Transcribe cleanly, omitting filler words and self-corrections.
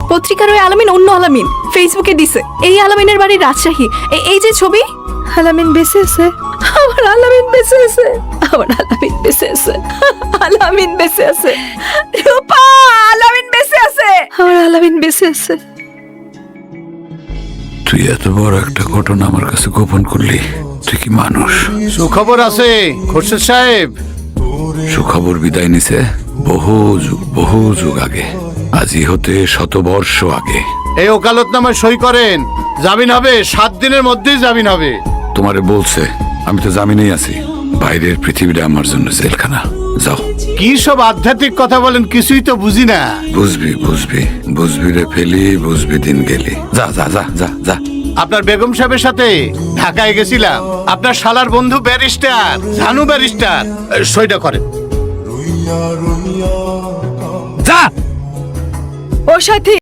পত্রিকার ওই আলামিন অন্য আলামিন ফেসবুকে দিছে। এই আলামিনের বাড়ি রাজশাহী। এই যে ছবি, আলামিন বেঁচে আছে। আমার আলামিন বেঁচে আছে। আমার আলামিন বেঁচে আছে। আলামিন বেঁচে আছে। রূপা, আলামিন বেঁচে আছে। আমার আলামিন বেঁচে আছে। তুই এত বড় একটা ঘটনা আমার কাছে গোপন করলি, তুই কি মানুষ? সুখবর আছে খোরশেদ সাহেব। সুখবর বিদায় নিছে বহু যুগ আগে, আজি হতে 100 বর্ষ আগে। এই ওকালতনামায় সই করেন, জামিন হবে 7 দিনের মধ্যেই জামিন হবে। তোমারে বলছে আমি তো জামিনেই আছি। বাইরের পৃথিবীটা আমার জন্য জেলখানা। যাও। কি সব আধ্যাত্মিক কথা বলেন, কিছুই তো বুঝি না। বুঝবি রে ফেলি, বুঝবি দিন গেলি। যা যা যা যা যা। আপনার বেগম সাহেবের সাথে ঢাকায় গেছিলাম। আপনার শালার বন্ধু ব্যারিস্টার জানু ব্যারিস্টার, সইটা করেন। যা। ও সাথী,